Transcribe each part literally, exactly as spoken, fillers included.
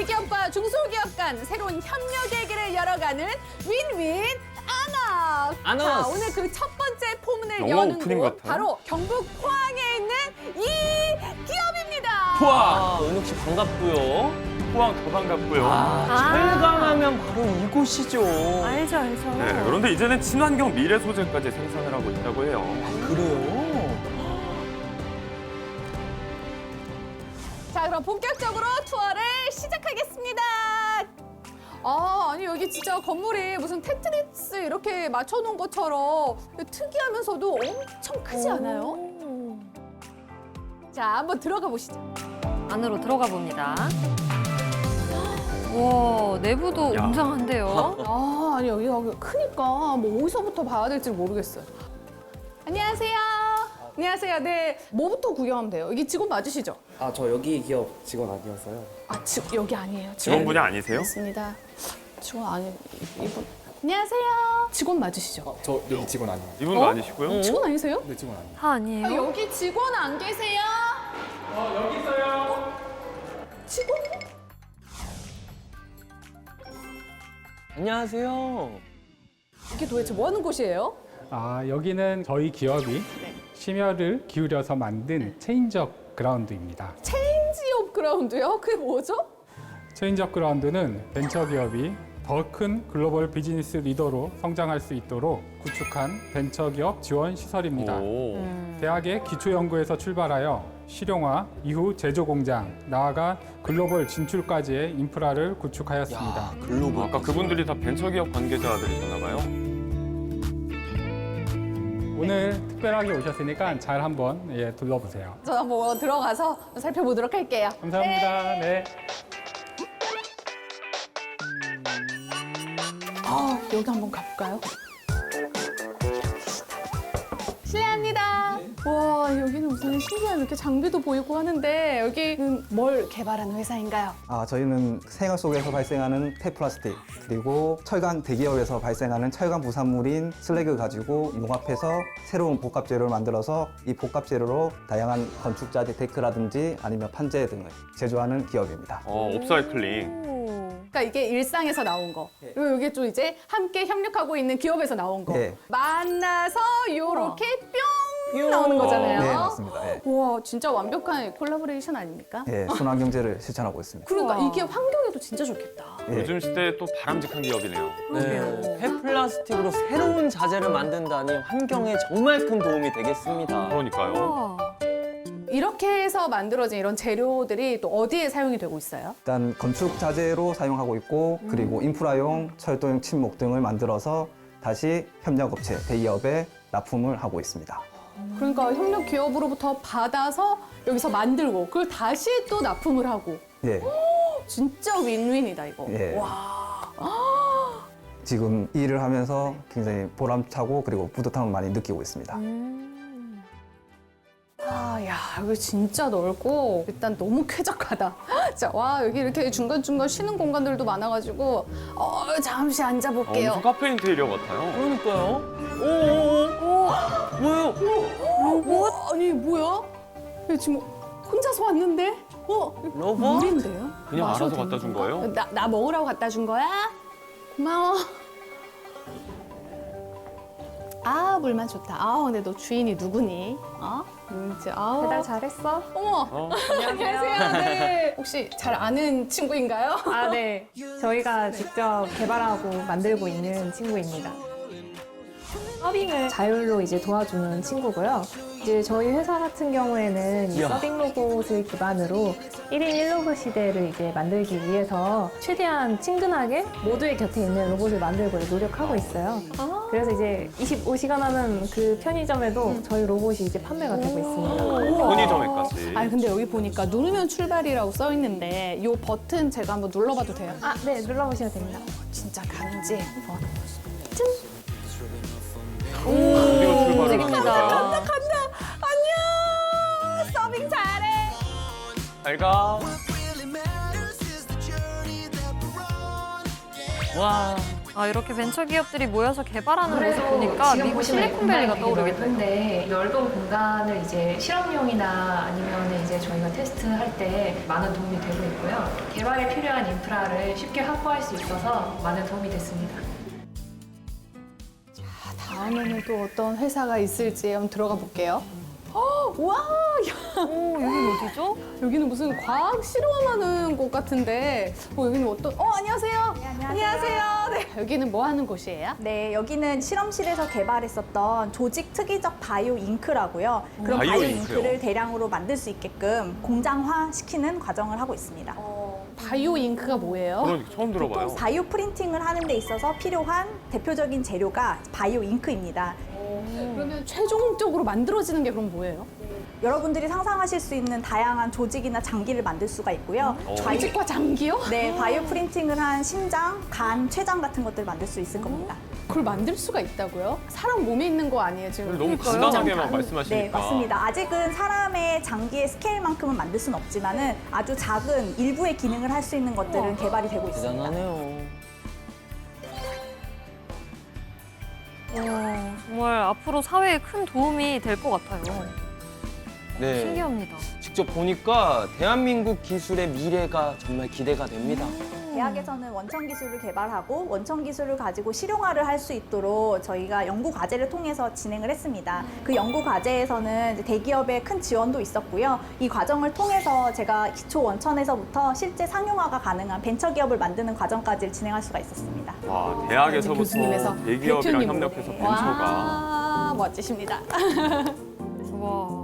대기업과 중소기업 간 새로운 협력의 길을 열어가는 윈윈 안업. 안업. 자, 오늘 그 첫 번째 포문을 영화 여는 오프닝 곳 같아요. 바로 경북 포항에 있는 이 기업입니다. 포항! 아, 은욱 씨 반갑고요. 포항 더 반갑고요. 아, 철강하면 바로 이곳이죠. 알죠, 알죠. 네, 그런데 이제는 친환경 미래 소재까지 생산을 하고 있다고 해요. 그래요? 자, 그럼 본격적으로 투어를 시작하겠습니다. 아, 아니 여기 진짜 건물이 무슨 테트리스 이렇게 맞춰놓은 것처럼 특이하면서도 엄청 크지 않아요? 자, 한번 들어가 보시죠. 안으로 들어가 봅니다. 와, 내부도 야. 웅장한데요. 아, 아니 여기가 크니까 뭐 어디서부터 봐야 될지 모르겠어요. 안녕하세요. 안녕하세요. 네, 뭐부터 구경하면 돼요? 여기 직원 맞으시죠? 아, 저 여기 기업 직원 아니어서요. 아, 지, 여기 아니에요. 직원분이 아니세요? 맞습니다. 직원 아니 이분. 안녕하세요. 직원 맞으시죠? 어, 저 여기 직원 아니에요. 이분도 어? 아니시고요. 직원 아니세요? 네, 직원 아니에요. 아, 아니에요? 아, 여기 직원 안 계세요? 어, 여기 있어요. 직원? 안녕하세요. 이게 도대체 뭐 하는 곳이에요? 아, 여기는 저희 기업이 심혈을 기울여서 만든 체인지업 그라운드입니다. 체인지업 그라운드요? 그게 뭐죠? 체인지업 그라운드는 벤처기업이 더 큰 글로벌 비즈니스 리더로 성장할 수 있도록 구축한 벤처기업 지원 시설입니다. 오. 대학의 기초연구에서 출발하여 실용화, 이후 제조공장, 나아가 글로벌 진출까지의 인프라를 구축하였습니다. 야, 글로벌. 아까 그분들이 다 벤처기업 관계자들이셨나 봐요. 오늘 특별하게 오셨으니까 잘 한번 예, 둘러보세요. 저 한번 들어가서 살펴보도록 할게요. 감사합니다. 네. 아, 여기 한번 가볼까요? 실례합니다. 와, 여기는 무슨 신기한 이렇게 장비도 보이고 하는데 여기는 뭘 개발하는 회사인가요? 아, 저희는 생활 속에서 발생하는 폐플라스틱 그리고 철강 대기업에서 발생하는 철강 부산물인 슬래그 가지고 융합해서 새로운 복합 재료를 만들어서 이 복합 재료로 다양한 건축자재 데크라든지 아니면 판재 등을 제조하는 기업입니다. 어, 옵사이클링. 그러니까 이게 일상에서 나온 거. 그리고 이게 좀 이제 함께 협력하고 있는 기업에서 나온 거. 네. 만나서 요렇게 뿅 나오는 거잖아요. 네, 맞습니다. 예. 와, 진짜 완벽한 콜라보레이션 아닙니까? 예, 순환 경제를 실천하고 있습니다. 그러니까 우와. 이게 환경에도 진짜 좋겠다. 예. 요즘 시대에 또 바람직한 기업이네요. 네, 폐플라스틱으로 새로운 자재를 만든다니 환경에 정말 큰 도움이 되겠습니다. 그러니까요. 와. 이렇게 해서 만들어진 이런 재료들이 또 어디에 사용이 되고 있어요? 일단 건축 자재로 사용하고 있고 그리고 인프라용, 철도용 침목 등을 만들어서 다시 협력업체, 대기업에 납품을 하고 있습니다. 그러니까 협력 기업으로부터 받아서 여기서 만들고 그걸 다시 또 납품을 하고 예, 진짜 윈윈이다 이거. 예. 와. 지금 이 일을 하면서 굉장히 보람차고 그리고 뿌듯함을 많이 느끼고 있습니다. 아, 야, 여기 진짜 넓고 일단 너무 쾌적하다. 자, 와, 여기 이렇게 중간중간 쉬는 공간들도 많아가지고 어, 잠시 어, 앉아볼게요. 무슨 카페 인테리어 같아요. 그러니까요. 오오오. 뭐예요? 로봇? 아니, 뭐야? 여기 지금 혼자서 왔는데? 어? 이거 로봇? 물인데요? 그냥 마셔도 알아서 갖다 되는 준 건가? 거예요? 나, 나 먹으라고 갖다 준 거야? 고마워. 아, 물만 좋다. 아, 근데 너 주인이 누구니? 어? 뭔지, 아. 배달 잘했어? 어머. 어? 안녕하세요. 네. 혹시 잘 아는 친구인가요? 아, 네. 저희가 직접 개발하고 만들고 있는 친구입니다. 서빙을 자율로 이제 도와주는 친구고요. 이제 저희 회사 같은 경우에는 이 이야. 서빙 로봇을 기반으로 일 인 일 로봇 시대를 이제 만들기 위해서 최대한 친근하게 모두의 곁에 있는 로봇을 만들고 노력하고 있어요. 그래서 이제 이십오 시간 하는 그 편의점에도 저희 로봇이 이제 판매가 되고 있습니다. 편의점에까지. 아니, 근데 여기 보니까 누르면 출발이라고 써 있는데 이 버튼 제가 한번 눌러봐도 돼요? 아, 네. 눌러보시면 됩니다. 진짜 가는지 한번. 어디로 출발을 하는 움직입니다. 건가요? 간다. 안녕. 서빙 잘해. 잘 가. 와, 아, 이렇게 벤처 기업들이 모여서 개발하는 모습 그래서 보니까 지금 미국 보시면 실리콘밸리가 공간이 되게 떠오르겠네요. 넓은데 넓은 공간을 이제 실험용이나 아니면 이제 저희가 테스트할 때 많은 도움이 되고 있고요. 개발에 필요한 인프라를 쉽게 확보할 수 있어서 많은 도움이 됐습니다. 다음에는 또 어떤 회사가 있을지 한번 들어가 볼게요. 어, 와, 야, 오, 여긴 어디죠? 여기는 무슨 과학 실험하는 곳 같은데, 어, 여기는 어떤? 어, 안녕하세요. 네, 안녕하세요. 네, 여기는 뭐 하는 곳이에요? 네, 여기는 실험실에서 개발했었던 조직 특이적 바이오 잉크라고요. 그런 바이오 바이오, 잉크요? 잉크를 대량으로 만들 수 있게끔 공장화 시키는 과정을 하고 있습니다. 바이오 잉크가 뭐예요? 그러니까 처음 들어봐요. 바이오 프린팅을 하는 데 있어서 필요한 대표적인 재료가 바이오 잉크입니다. 그러면 최종적으로 만들어지는 게 그럼 뭐예요? 여러분들이 상상하실 수 있는 다양한 조직이나 장기를 만들 수가 있고요. 바이오- 조직과 장기요? 네, 바이오 프린팅을 한 심장, 간, 췌장 같은 것들을 만들 수 있을 겁니다. 그걸 만들 수가 있다고요? 사람 몸에 있는 거 아니에요 지금? 너무 그러니까요. 간단하게만 네, 말씀하시니까. 맞습니다. 아직은 사람의 장기의 스케일만큼은 만들 수는 없지만은 아주 작은 일부의 기능을 할 수 있는 것들은 개발이 되고 있습니다. 대단하네요. 와, 정말 앞으로 사회에 큰 도움이 될 것 같아요. 네. 신기합니다. 직접 보니까 대한민국 기술의 미래가 정말 기대가 됩니다. 대학에서는 원천 기술을 개발하고 원천 기술을 가지고 실용화를 할 수 있도록 저희가 연구 과제를 통해서 진행을 했습니다. 그 연구 과제에서는 이제 대기업의 큰 지원도 있었고요. 이 과정을 통해서 제가 기초 원천에서부터 실제 상용화가 가능한 벤처 기업을 만드는 과정까지 진행할 수가 있었습니다. 와, 대학에서부터 교수님에서 대기업이랑 대표님으로. 협력해서 벤처가. 와, 멋지십니다. 와.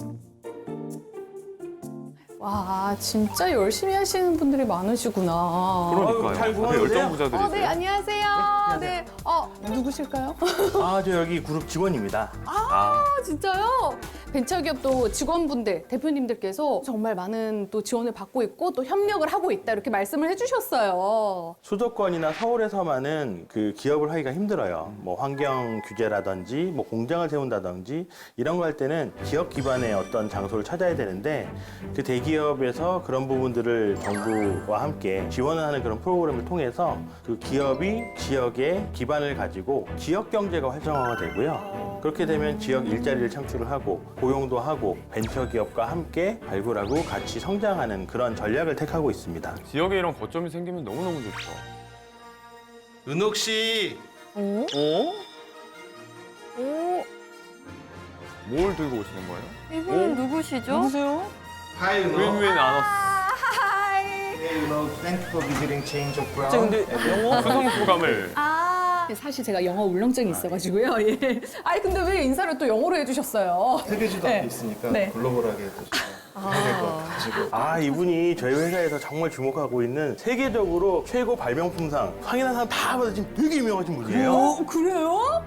와, 진짜 열심히 하시는 분들이 많으시구나. 그러니까요. 다들 열정 부자들이세요. 어, 네, 안녕하세요. 네, 어, 누구실까요? 아, 저 여기 그룹 직원입니다. 아, 진짜요? 벤처기업도 직원분들, 대표님들께서 정말 많은 또 지원을 받고 있고 또 협력을 하고 있다 이렇게 말씀을 해주셨어요. 수도권이나 서울에서만은 그 기업을 하기가 힘들어요. 뭐 환경 규제라든지 뭐 공장을 세운다든지 이런 거 할 때는 기업 기반의 어떤 장소를 찾아야 되는데 그 대기업에서 그런 부분들을 정부와 함께 지원을 하는 그런 프로그램을 통해서 그 기업이 지역에 기반을 가지고 지역 경제가 활성화가 되고요. 그렇게 되면 지역 일자리를 창출을 하고 고용도 하고 벤처기업과 함께 발굴하고 같이 성장하는 그런 전략을 택하고 있습니다. 지역에 이런 거점이 생기면 너무너무 좋죠. 은옥 씨, 오? 어? 오? 뭘 들고 오시는 거예요? 이분은 오? 누구시죠? 누구세요? Hi 윈윈 아너스. 은옥, thank you for visiting Change of 진짜 근데 영어? 수성 소감을. 아, 사실 제가 영어 울렁증이 있어가지고요. 예. 아니, 근데 왜 인사를 또 영어로 해주셨어요? 세계지도 네. 앞에 있으니까 네. 글로벌하게 또 해야 될것 같아가지고 아, 이분이 저희 회사에서 정말 주목하고 있는 세계적으로 최고 발명품상 상이나 상 다 받으신 되게 유명하신 분이에요. 어, 그래요?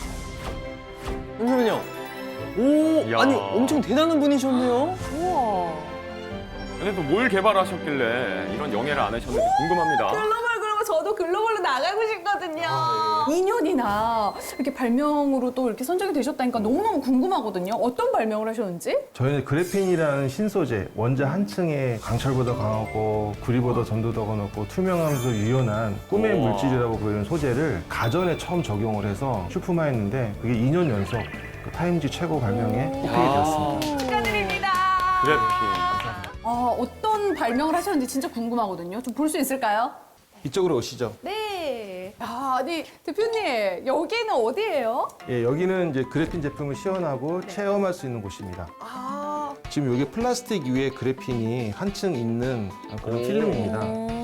잠시만요. 오, 이야. 아니 엄청 대단한 분이셨네요. 우와. 근데 또 뭘 개발하셨길래 이런 영예를 안 하셨는지 궁금합니다. 글로벌 그러면 저도 글로벌로 나가고 싶거든요. 이 년이나 이렇게 발명으로 또 이렇게 선정이 되셨다니까 너무너무 궁금하거든요. 어떤 발명을 하셨는지? 저희는 그래핀이라는 신소재, 원자 한 층에 강철보다 강하고 구리보다 전도 더 높고 투명하면서 유연한 꿈의 우와. 물질이라고 보이는 소재를 가전에 처음 적용을 해서 출품하였는데 그게 이 년 연속 그 타임지 최고 발명에 뽑히게 되었습니다. 축하드립니다. 그래픽. 아, 어떤 발명을 하셨는지 진짜 궁금하거든요. 좀 볼 수 있을까요? 이쪽으로 오시죠. 네. 야, 아니 대표님 여기는 어디예요? 예, 여기는 이제 그래핀 제품을 시연하고 네. 체험할 수 있는 곳입니다. 아, 지금 여기 플라스틱 위에 그래핀이 한층 있는 그런 필름입니다.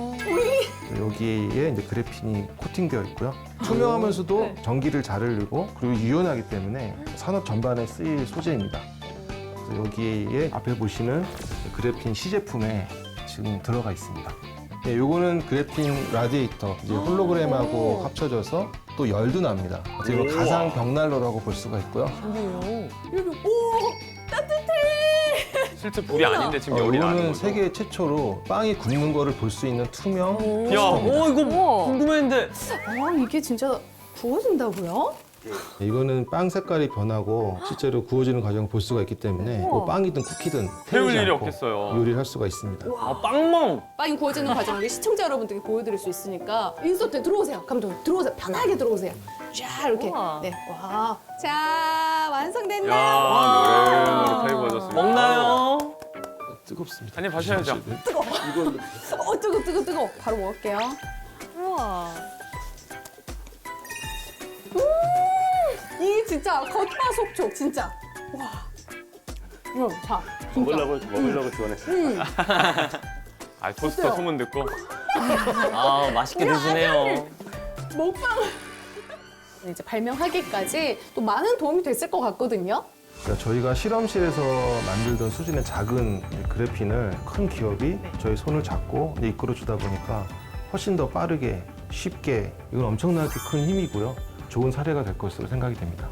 여기에 이제 그래핀이 코팅되어 있고요. 투명하면서도 네. 전기를 잘 흘리고 그리고 유연하기 때문에 산업 전반에 쓰일 소재입니다. 그래서 여기에 앞에 보시는 그래핀 시제품에 지금 들어가 있습니다. 예, 요거는 그래핀 라디에이터, 이제 홀로그램하고 합쳐져서 또 열도 납니다. 어떻게 보면 우와. 가상 벽난로라고 볼 수가 있고요. 여기 오 따뜻해. 실제 불이 아닌데 지금 어, 열이 나는 이거는 거죠. 세계 최초로 빵이 굽는 거를 볼 수 있는 투명 야, 포스터입니다. 어 이거 우와. 궁금했는데 아, 이게 진짜 구워진다고요? 이거는 빵 색깔이 변하고 실제로 구워지는 과정을 볼 수가 있기 때문에 뭐 빵이든 쿠키든 태울 태우지 일이 않고 없겠어요. 요리를 할 수가 있습니다. 아, 빵멍! 빵이 구워지는 과정을 시청자 여러분들께 보여드릴 수 있으니까 인서트 들어오세요. 감독님 들어오세요. 편하게 들어오세요. 쫙 이렇게. 우와. 네. 와. 자, 완성됐나요? 야, 노래 노릇하게 구워졌습니다. 먹나요? 뜨겁습니다. 한입 하셔야죠. 어, 뜨거, 뜨거, 뜨거. 바로 먹을게요. 우와. 이 진짜 겉바속촉 진짜. 와. 이거 자. 진짜. 먹으려고 먹으려고 지원했어요. 음. 아, 토스터 어때요? 소문 듣고. 아, 맛있게 드시네요. 먹방. 이제 발명하기까지 또 많은 도움이 됐을 것 같거든요. 그러니까 저희가 실험실에서 만들던 수준의 작은 그래핀을 큰 기업이 저희 손을 잡고 이제 이끌어 주다 보니까 훨씬 더 빠르게 쉽게 이건 엄청나게 큰 힘이고요. 좋은 사례가 될 것으로 생각이 됩니다.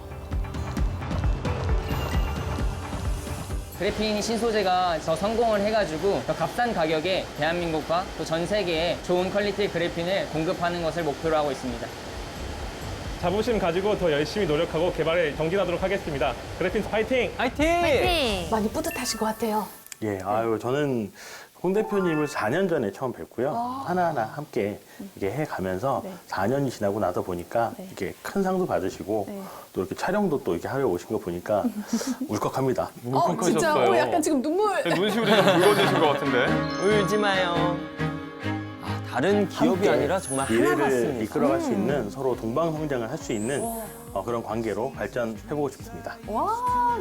그래핀 신소재가 더 성공을 해가지고 더 값싼 가격에 대한민국과 또 전 세계에 좋은 퀄리티의 그래핀을 공급하는 것을 목표로 하고 있습니다. 자부심 가지고 더 열심히 노력하고 개발에 정진하도록 하겠습니다. 그래핀 화이팅! 화이팅! 네. 많이 뿌듯하신 것 같아요. 예, 아유 저는 홍 대표님을 사 년 전에 처음 뵙고요. 아. 하나하나 함께 이게 해가면서 네. 사 년이 지나고 나서 보니까 네. 이렇게 큰 상도 받으시고 네. 또 이렇게 촬영도 또 이렇게 하러 오신 거 보니까 울컥합니다. 어, 진짜 어, 약간 지금 눈물. 눈시울이 좀 붉어지신 것 같은데. 울지 마요. 아, 다른 기업이 함께 아니라 정말 하나 미래를 같습니다. 이끌어갈 수 있는 서로 동방 성장을 할 수 있는 어, 그런 관계로 발전해보고 싶습니다. 와.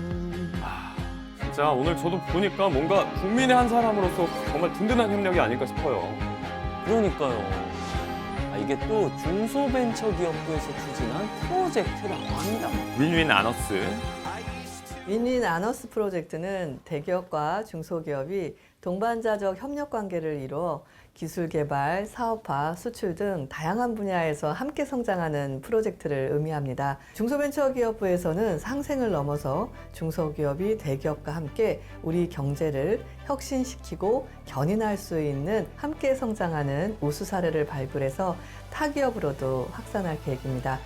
진짜 오늘 저도 보니까 뭔가 국민의 한 사람으로서 정말 든든한 협력이 아닐까 싶어요. 그러니까요. 아, 이게 또 중소벤처기업부에서 추진한 프로젝트라고 합니다. 윈윈 아너스. 윈윈 아너스 프로젝트는 대기업과 중소기업이 동반자적 협력 관계를 이루어 기술 개발, 사업화, 수출 등 다양한 분야에서 함께 성장하는 프로젝트를 의미합니다. 중소벤처기업부에서는 상생을 넘어서 중소기업이 대기업과 함께 우리 경제를 혁신시키고 견인할 수 있는 함께 성장하는 우수 사례를 발굴해서 타 기업으로도 확산할 계획입니다.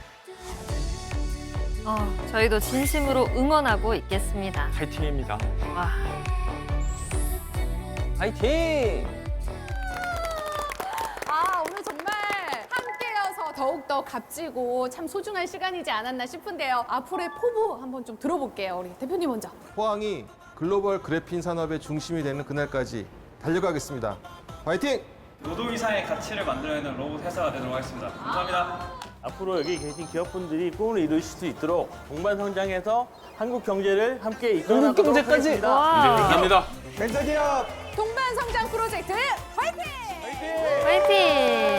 어, 저희도 진심으로 응원하고 있겠습니다. 파이팅입니다. 와. 화이팅! 아, 오늘 정말 함께여서 더욱더 값지고 참 소중한 시간이지 않았나 싶은데요. 앞으로의 포부 한번 좀 들어볼게요. 우리 대표님 먼저. 포항이 글로벌 그래핀 산업의 중심이 되는 그날까지 달려가겠습니다. 화이팅! 노동 이상의 가치를 만들어내는 로봇 회사가 되도록 하겠습니다. 감사합니다. 앞으로 여기 계신 기업분들이 꿈을 이루실 수 있도록 동반 성장해서 한국 경제를 함께 이끌어가도록 한국 경제까지! 하겠습니다. 감사합니다. 벤처기업 동반 성장 프로젝트 화이팅! 화이팅!